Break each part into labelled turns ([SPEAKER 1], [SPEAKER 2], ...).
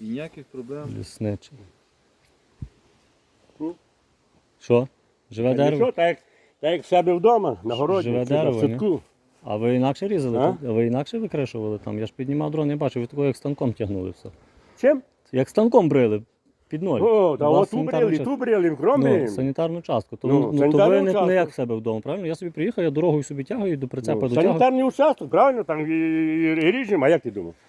[SPEAKER 1] І ніяких проблем.
[SPEAKER 2] Лісничий. Що? Живе дерево?
[SPEAKER 3] Нічого, так як в себе вдома, на городі,
[SPEAKER 2] Живе
[SPEAKER 3] чи на
[SPEAKER 2] дерево,
[SPEAKER 3] садку.
[SPEAKER 2] А ви інакше різали?
[SPEAKER 3] А?
[SPEAKER 2] А ви інакше викрешували там? Я ж піднімав дрон, я бачив, ви такого як станком тягнули все.
[SPEAKER 3] Чим?
[SPEAKER 2] Як станком брили, під ноль.
[SPEAKER 3] О, та
[SPEAKER 2] У вас
[SPEAKER 3] от ту
[SPEAKER 2] санітарна
[SPEAKER 3] брили,
[SPEAKER 2] частка.
[SPEAKER 3] ту брили, кромі.
[SPEAKER 2] Санітарну частку. То,
[SPEAKER 3] Ну,
[SPEAKER 2] то
[SPEAKER 3] санітарну
[SPEAKER 2] ви не
[SPEAKER 3] частку.
[SPEAKER 2] як в себе вдома, правильно? Я собі приїхав, я дорогою собі тягаю, до прицепа дотягую.
[SPEAKER 3] Санітарний участок, правильно, там і ріжемо, а як ти думав?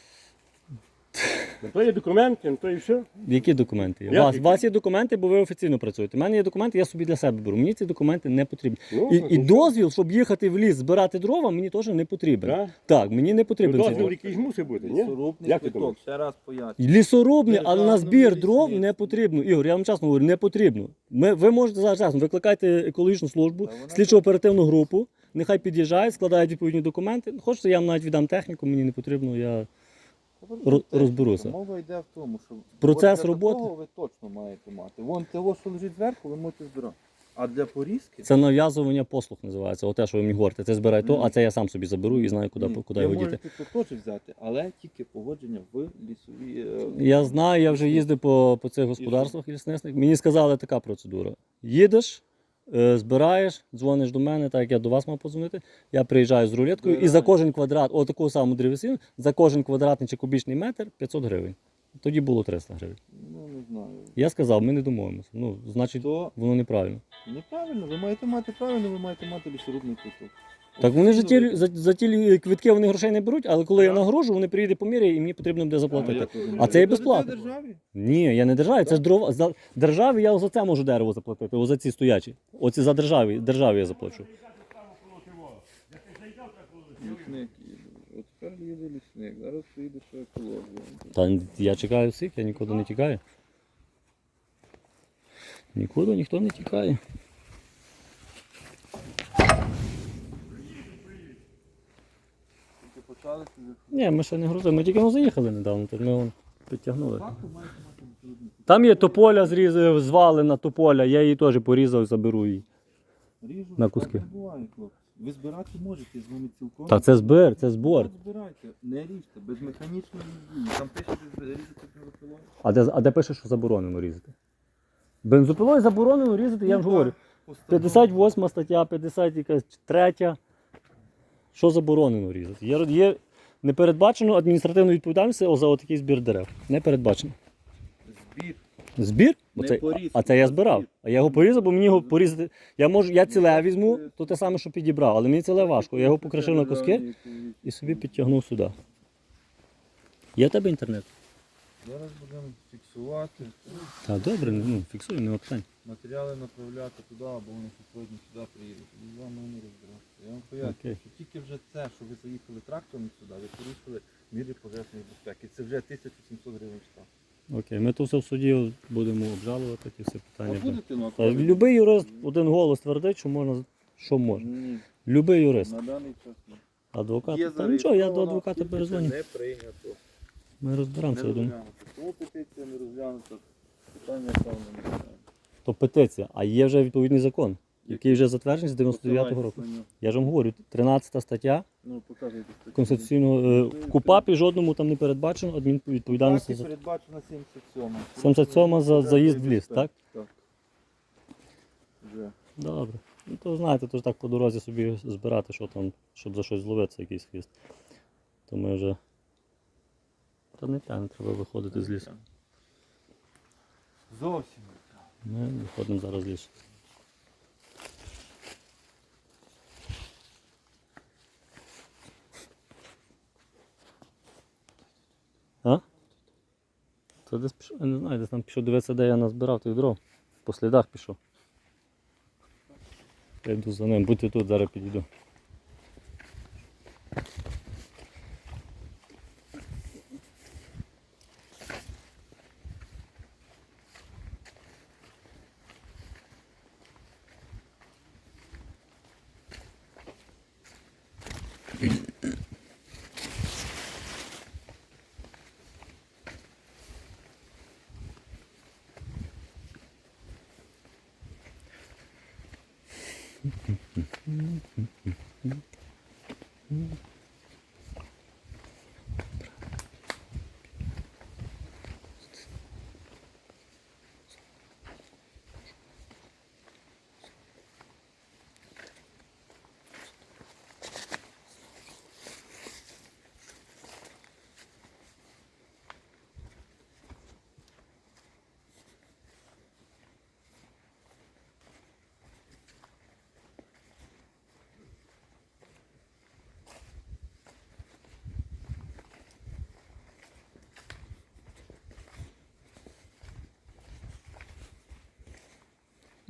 [SPEAKER 3] То є документи, то і все.
[SPEAKER 2] Які документи є?
[SPEAKER 3] Як
[SPEAKER 2] У вас є документи, бо ви офіційно працюєте. У мене є документи, я собі для себе беру. Мені ці документи не потрібні.
[SPEAKER 3] Ну,
[SPEAKER 2] І дозвіл, щоб їхати в ліс, збирати дрова, мені теж не потрібен.
[SPEAKER 3] Да?
[SPEAKER 2] Так, мені не потрібен цей
[SPEAKER 3] Дозвіл
[SPEAKER 2] дозвіл.
[SPEAKER 3] якийсь мусить бути, ні?
[SPEAKER 1] Лісорубний
[SPEAKER 3] Як ти
[SPEAKER 1] квиток,
[SPEAKER 3] думаєш?
[SPEAKER 1] ще раз поясню.
[SPEAKER 2] Лісорубний, але на
[SPEAKER 1] Державному
[SPEAKER 2] збір дров
[SPEAKER 1] лісництві.
[SPEAKER 2] не потрібно. Ігор, я вам чесно говорю, не потрібно. Ви можете зараз викликайте екологічну службу, слідчо-оперативну групу, нехай під'їжджають, складають відповідні документи. Хочете, я вам навіть віддам техніку, мені не потрібно, я розберуся.
[SPEAKER 1] Мова йде в тому, що
[SPEAKER 2] Процес
[SPEAKER 1] от для
[SPEAKER 2] роботи.
[SPEAKER 1] такого ви точно маєте мати. Вон того, що лежить зверху, ви можете збирати. А для порізки
[SPEAKER 2] Це нав'язування послуг називається. Оте, що ви мені говорите, це збирай то, а це я сам собі заберу і знаю, куди
[SPEAKER 1] ви
[SPEAKER 2] його діти.
[SPEAKER 1] можете то теж взяти, але тільки погодження в лісовій.
[SPEAKER 2] Я знаю, я вже їздив по цих господарствах лісництвах. Мені сказали така процедура. Їдеш, збираєш, дзвониш до мене, так як я до вас мав подзвонити. Я приїжджаю з рулеткою і за кожен квадрат, отаку саму древесину, за кожен квадратний чи кубічний метр 500 гривень. Тоді було 300 гривень.
[SPEAKER 1] Ну, не знаю.
[SPEAKER 2] Я сказав, ми не домовимося. Ну, значить,
[SPEAKER 1] То
[SPEAKER 2] воно неправильно.
[SPEAKER 1] неправильно, ви маєте мати правильно, ви маєте мати лісорубний квиток.
[SPEAKER 2] Так вони ж
[SPEAKER 1] Офіційно
[SPEAKER 2] за ті квитки вони грошей не беруть, але коли я нагрожу, вони приїдуть по мірі і мені потрібно буде заплатити. А це і безплатно.
[SPEAKER 1] державі?
[SPEAKER 2] Ні, я не державі, це ж дрова. За державі я за це можу дерево заплатити, за ці стоячі. Оці за державі я заплачу.
[SPEAKER 1] Лісник їде. От тепер їде лісник, зараз приїде ще екологія.
[SPEAKER 2] Та я чекаю всіх, я нікуди не тікаю. Нікуди ніхто не тікає.
[SPEAKER 1] Тільки почали
[SPEAKER 2] Ні, ми ще не грузили, ми тільки заїхали недавно, тут ми підтягнули. Там є тополя звалена тополя, я її теж порізав, заберу її.
[SPEAKER 1] ріжу,
[SPEAKER 2] На куски.
[SPEAKER 1] так не буває, хлопці. Ви збирати можете з вами цілком.
[SPEAKER 2] Та це збір, це збор.
[SPEAKER 1] Так збирайте, не ріжте, без механічної дії. Там пише, що різати бензопилою.
[SPEAKER 2] А де пише, що заборонено різати? Бензопилою заборонено різати, я вже говорю. 58 стаття, 53. Що заборонено різати? Є не передбачено адміністративної відповідальності за отакий збір дерев. Не передбачено.
[SPEAKER 1] Збір.
[SPEAKER 2] Збір?
[SPEAKER 1] Не порізати,
[SPEAKER 2] А це я
[SPEAKER 1] а
[SPEAKER 2] збирав.
[SPEAKER 1] збір.
[SPEAKER 2] А я його порізав, бо мені його порізати. Я ціле візьму, то те саме, що підібрав, але мені ціле важко. Я його покришив на куски і собі підтягнув сюди. Є в тебе інтернет?
[SPEAKER 1] Зараз будемо фіксувати,
[SPEAKER 2] Так, добре, фіксуємо, нема питань.
[SPEAKER 1] матеріали направляти туди, або вони сьогодні сюди приїдуть. Тоді з вами не розбиратися. Я вам поясню,
[SPEAKER 2] Окей.
[SPEAKER 1] що тільки вже це, що ви заїхали трактором сюди, ви порушили міри пожежної безпеки. Це вже 1700 гривень штраф.
[SPEAKER 2] Окей, ми то все в суді будемо обжалувати, ті всі
[SPEAKER 1] А
[SPEAKER 2] питання.
[SPEAKER 1] будете на
[SPEAKER 2] Та любий юрист один голос твердить, що можна, що можна.
[SPEAKER 1] Ні,
[SPEAKER 2] Любий юрист.
[SPEAKER 1] на даний час ні.
[SPEAKER 2] Адвокат. Та нічого, я до адвоката
[SPEAKER 1] тільки
[SPEAKER 2] перезвоню.
[SPEAKER 1] це не прийнято.
[SPEAKER 2] Ми розберемося,
[SPEAKER 1] Не
[SPEAKER 2] я думаю.
[SPEAKER 1] розглянуто. Тому петиція не розглянута. Питання певно не розглянуто.
[SPEAKER 2] То петиція, а є вже відповідний закон, який вже затверджений з 99-го року.
[SPEAKER 1] Посилайтесь на нього.
[SPEAKER 2] Я ж вам говорю, 13 стаття
[SPEAKER 1] Ну, показуйте статтю.
[SPEAKER 2] Конституційного в КУПАПі жодному там не передбачено адмінвідповідальності
[SPEAKER 1] Так, і
[SPEAKER 2] за
[SPEAKER 1] передбачена 77.
[SPEAKER 2] 77 за заїзд в ліс, так?
[SPEAKER 1] Так. Вже.
[SPEAKER 2] Добре. Ну то знаєте, то ж так по дорозі собі збирати, що там, щоб за щось зловитися, якийсь хвіст. То ми вже. Та не треба виходити з лісу.
[SPEAKER 1] Зовсім.
[SPEAKER 2] Ми виходимо зараз з лісу. А? Це десь пішов, я не знаю, десь там пішов дивитися, де я назбирав тих дров. По слідах пішов. Я йду за ним, будьте тут, зараз підійду.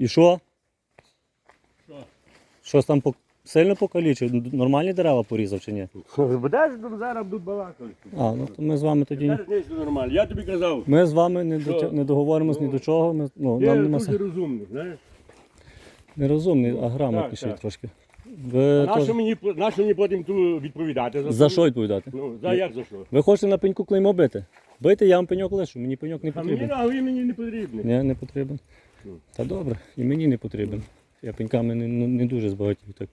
[SPEAKER 2] І що?
[SPEAKER 3] Що?
[SPEAKER 2] Щось там сильно покалічив? Нормальні дерева порізав чи ні?
[SPEAKER 3] Будеш зараз будуть балакати.
[SPEAKER 2] А, ну то ми з вами тоді.
[SPEAKER 3] Зараз не все нормально. Я тобі казав.
[SPEAKER 2] Ми з вами
[SPEAKER 3] Що?
[SPEAKER 2] не договоримось ні до чого. Ми, ну,
[SPEAKER 3] Ти
[SPEAKER 2] нам нема
[SPEAKER 3] дуже
[SPEAKER 2] сенсу.
[SPEAKER 3] розумний, знаєш.
[SPEAKER 2] Не розумний, а грамотніший
[SPEAKER 3] так.
[SPEAKER 2] трошки. Ви
[SPEAKER 3] Нащо мені потім ту відповідати?
[SPEAKER 2] за що відповідати?
[SPEAKER 3] Ну, як за що?
[SPEAKER 2] Ви хочете на пеньку клеймо бити? Бийте, я вам пеньок лишу, мені пеньок не
[SPEAKER 3] А мені
[SPEAKER 2] потрібен.
[SPEAKER 3] нагові мені не потрібний.
[SPEAKER 2] Ні, не потрібен.
[SPEAKER 3] Ну.
[SPEAKER 2] Та добре, і мені не потрібен. Я пеньками не дуже збагатів. Так.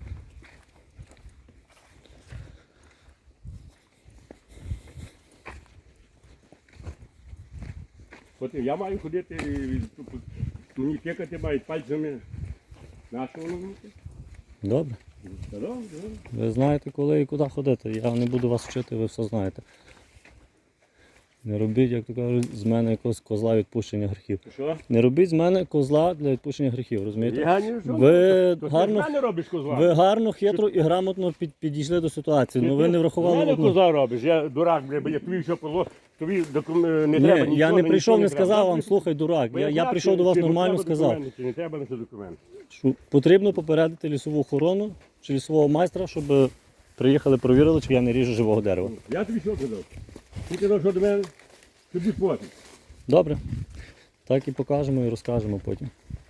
[SPEAKER 3] Потім я маю ходити, мені пікати мають пальцями. Нащо воно мені?
[SPEAKER 2] Добре.
[SPEAKER 3] Та добре.
[SPEAKER 2] Ви знаєте, коли і куди ходити. Я не буду вас вчити, ви все знаєте. Не робіть, як то кажуть, з мене якогось козла відпущення гріхів.
[SPEAKER 3] Що?
[SPEAKER 2] Не робіть з мене козла для відпущення гріхів, розумієте?
[SPEAKER 3] Я не що?
[SPEAKER 2] Ви
[SPEAKER 3] То
[SPEAKER 2] гарно,
[SPEAKER 3] ти з мене робиш козла.
[SPEAKER 2] ви гарно, хитро і грамотно підійшли до ситуації, але ви не
[SPEAKER 3] З
[SPEAKER 2] врахували
[SPEAKER 3] мене
[SPEAKER 2] одну.
[SPEAKER 3] козла робиш, я дурак, бля, я тобі що позло, тобі не треба нічого.
[SPEAKER 2] Ні, я не прийшов, не
[SPEAKER 3] треба.
[SPEAKER 2] сказав вам, слухай, дурак.
[SPEAKER 3] Бо
[SPEAKER 2] Я
[SPEAKER 3] знав,
[SPEAKER 2] прийшов до вас
[SPEAKER 3] чи
[SPEAKER 2] нормально,
[SPEAKER 3] треба
[SPEAKER 2] сказав.
[SPEAKER 3] документи, чи не треба на це документи.
[SPEAKER 2] Що потрібно попередити лісову охорону чи лісового майстра, щоб приїхали, провірили, чи я не ріжу живого дерева.
[SPEAKER 3] Я тобі що казав? Ти казав, що до мене тобі платить.
[SPEAKER 2] Добре. Так і покажемо і розкажемо потім.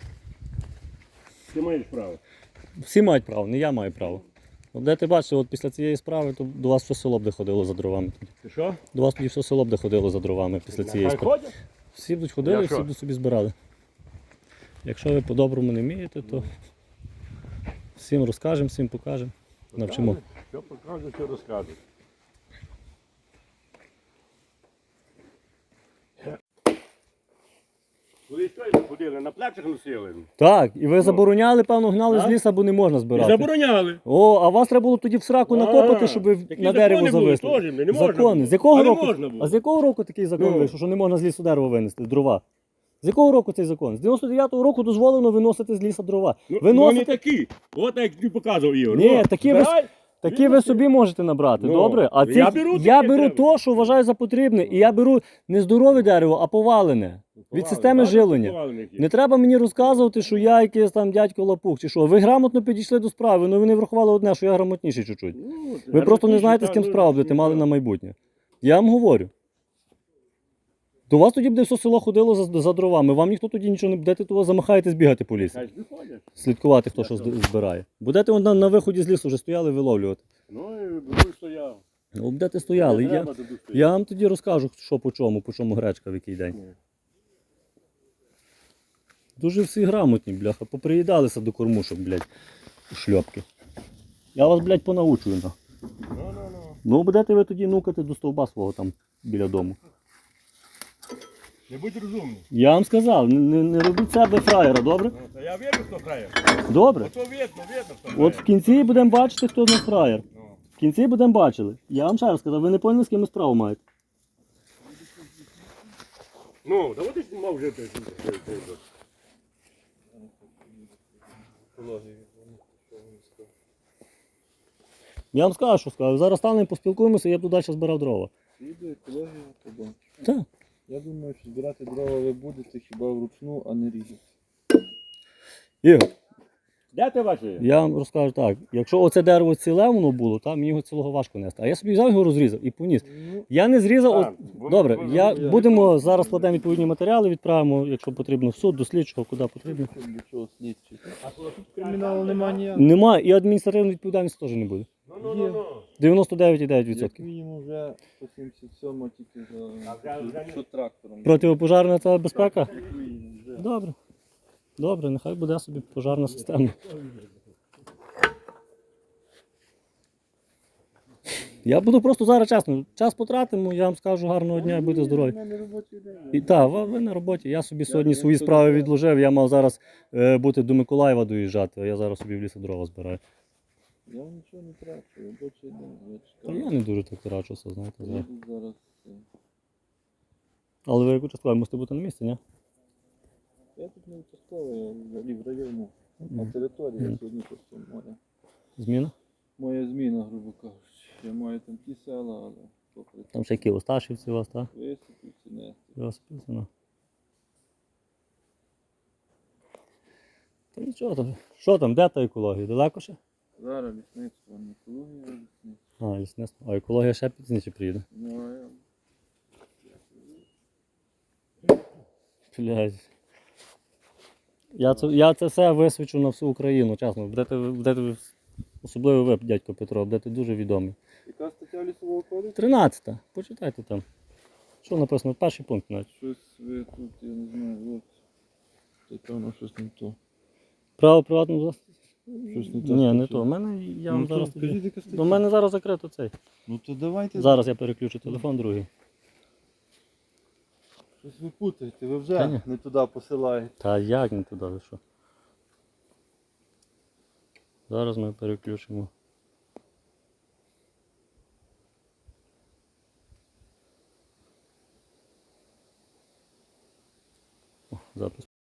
[SPEAKER 3] Ти маєш право.
[SPEAKER 2] Всі мають право, не я маю право. От де ти бачиш, от після цієї справи, то до вас все село б де ходило за дровами.
[SPEAKER 3] Ти що?
[SPEAKER 2] До вас тоді все село б де ходило за дровами після цієї
[SPEAKER 3] Нехай
[SPEAKER 2] справи.
[SPEAKER 3] ходять.
[SPEAKER 2] Всі будуть ходили,
[SPEAKER 3] Я
[SPEAKER 2] всі
[SPEAKER 3] що?
[SPEAKER 2] будуть собі збирали. Якщо ви по-доброму не вмієте, то всім розкажемо, всім покажемо, навчимо.
[SPEAKER 3] Що покажу, що розкажу. Коли що ходили, на плечах носили.
[SPEAKER 2] Так, і ви забороняли, певно, гнали з
[SPEAKER 3] А?
[SPEAKER 2] лісу, бо не можна
[SPEAKER 3] І
[SPEAKER 2] збирати.
[SPEAKER 3] забороняли.
[SPEAKER 2] О, а вас треба було тоді в сраку накопати, щоб ви
[SPEAKER 3] такі
[SPEAKER 2] на дерево
[SPEAKER 3] закони були,
[SPEAKER 2] зависли.
[SPEAKER 3] теж, не можна
[SPEAKER 2] Закони.
[SPEAKER 3] було.
[SPEAKER 2] З якого
[SPEAKER 3] А не
[SPEAKER 2] року?
[SPEAKER 3] можна було.
[SPEAKER 2] А з якого року такий закон
[SPEAKER 3] Ну.
[SPEAKER 2] вийшов, що не можна з лісу дерево винести, дрова? З якого року цей закон? З 99-го року дозволено виносити з лісу дрова.
[SPEAKER 3] Ну,
[SPEAKER 2] Ви
[SPEAKER 3] ну, не
[SPEAKER 2] носите...
[SPEAKER 3] такі. От як ти показував, Ігор.
[SPEAKER 2] Ні,
[SPEAKER 3] О,
[SPEAKER 2] такі ви,
[SPEAKER 3] збирай.
[SPEAKER 2] такі ви собі можете набрати,
[SPEAKER 3] Ну,
[SPEAKER 2] добре? А
[SPEAKER 3] я
[SPEAKER 2] ці,
[SPEAKER 3] беру
[SPEAKER 2] я
[SPEAKER 3] таке
[SPEAKER 2] беру
[SPEAKER 3] дерево.
[SPEAKER 2] то, що вважаю за потрібне, і я беру не здорове дерево, а повалене. Від системи жилення. Не треба мені розказувати, що я якийсь там дядько лапух, чи що. Ви грамотно підійшли до справи, але ви не врахували одне, що я грамотніший чуть-чуть. Ви просто не знаєте, з ким справу будете мали на майбутнє. Я вам говорю. До вас тоді буде все село ходило за дровами. Вам ніхто тоді нічого не будете, того замахаєтесь бігати по лісі.
[SPEAKER 3] Хай виходять.
[SPEAKER 2] Слідкувати, хто що збирає. Будете на виході з лісу вже стояли виловлювати.
[SPEAKER 3] Ну і буду стояв.
[SPEAKER 2] Ну, будете стояли.
[SPEAKER 3] Не
[SPEAKER 2] Я,
[SPEAKER 3] треба туди стояти.
[SPEAKER 2] я вам тоді розкажу, що по чому гречка в який день. Дуже всі грамотні, бляха. Поприїдалися до кормушок, блядь, шльопки. Я вас, блядь, понаучую. На. Ну, будете ви тоді нукати до стовба свого там біля дому.
[SPEAKER 3] Не будь розумний.
[SPEAKER 2] Я вам сказав, не робіть себе фраєра, добре?
[SPEAKER 3] Ну, та я видно, хто грає.
[SPEAKER 2] Добре.
[SPEAKER 3] Ото видно, хто грає.
[SPEAKER 2] От в кінці будемо бачити, хто з нас фраєр.
[SPEAKER 3] Ну.
[SPEAKER 2] В кінці будемо бачили. Я вам ще раз сказав, ви не поняли, з ким ви справу маєте.
[SPEAKER 3] Ну, да от ти знімав вже те.
[SPEAKER 2] Я вам скажу, що скажу. Зараз станемо, поспілкуємося, я буду далі збирав дрова.
[SPEAKER 1] Піде екологія, побачиш.
[SPEAKER 2] Так.
[SPEAKER 1] Я думаю, що збирати дрова ви будете хіба вручну, а не різати.
[SPEAKER 2] Ігор,
[SPEAKER 3] Де ти бачиш?
[SPEAKER 2] я вам розкажу так. Якщо оце дерево ціле воно було, там мені його цілого важко нести. А я собі взяв його розрізав і поніс.
[SPEAKER 1] Ну,
[SPEAKER 2] Я не зрізав.
[SPEAKER 3] Так,
[SPEAKER 2] Добре,
[SPEAKER 3] воно-
[SPEAKER 2] будемо зараз складемо відповідні матеріали, відправимо, якщо потрібно, в суд, до слідчого, куди потрібно.
[SPEAKER 1] для чого слідчі?
[SPEAKER 3] А коли тут
[SPEAKER 1] Криміналу немає ніякого.
[SPEAKER 2] Немає, і адміністративної відповідальності теж не буде.
[SPEAKER 3] Ну.
[SPEAKER 2] 99,9%.
[SPEAKER 1] Як мінімум вже по 77 тільки що трактором.
[SPEAKER 2] Противопожарна це безпека?
[SPEAKER 1] Як мінімум вже.
[SPEAKER 2] Добре. Добре, нехай буде собі пожарна система. Я буду просто зараз чесно. Час потратимо, я вам скажу гарного дня і будьте здорові.
[SPEAKER 1] У мене робочий день.
[SPEAKER 2] І так, ви на роботі. Я собі сьогодні свої справи відложив. Я мав зараз бути до Миколаєва доїжджати, а я зараз собі в лісі дрова збираю.
[SPEAKER 1] Я вам нічого не трачу, робочий день. Я
[SPEAKER 2] Та
[SPEAKER 1] чекаю.
[SPEAKER 2] я не дуже так трачуся, знаєте.
[SPEAKER 1] Я тут зараз.
[SPEAKER 2] Але ви як участковий мусите бути на місці, ні?
[SPEAKER 1] Я тут не участковий, я взагалі в районі. На території я сьогодні просто моя.
[SPEAKER 2] Зміна?
[SPEAKER 1] Моя зміна, грубо кажучи. Я маю там ті села, але попри
[SPEAKER 2] Там ще які Осташівці у вас, так?
[SPEAKER 1] виступів, ці нести.
[SPEAKER 2] Велосипедці, ну. Та нічого там. Що там, де та екологія? Далеко ще?
[SPEAKER 1] Зараз лісництво, не екологія, а лісництво.
[SPEAKER 2] А, лісництво. А екологія ще пізніше приїде.
[SPEAKER 1] Ну, а я...
[SPEAKER 2] Блядь. Я це все висвічу на всю Україну, чесно. Будете особливо ви, дядько Петро, будете дуже відомі.
[SPEAKER 1] Яка стаття лісового кодексу?
[SPEAKER 2] 13-та. Почитайте там. Що написано? Перший пункт навіть.
[SPEAKER 1] Щось ви тут, я не знаю, от. Це певно щось не то.
[SPEAKER 2] Право приватного власності?
[SPEAKER 1] Щось не то.
[SPEAKER 2] Ні, не
[SPEAKER 1] стаття.
[SPEAKER 2] то. У мене я вам
[SPEAKER 1] Ну, то
[SPEAKER 2] зараз.
[SPEAKER 1] скажіть, яка стаття?
[SPEAKER 2] До мене зараз закрито цей.
[SPEAKER 1] Ну то давайте.
[SPEAKER 2] Зараз я переключу телефон другий.
[SPEAKER 1] Щось ви путаєте, ви
[SPEAKER 2] Та ні.
[SPEAKER 1] вже не туди посилаєте.
[SPEAKER 2] Та як не туди, ви що? Зараз ми переключимо. О, запис.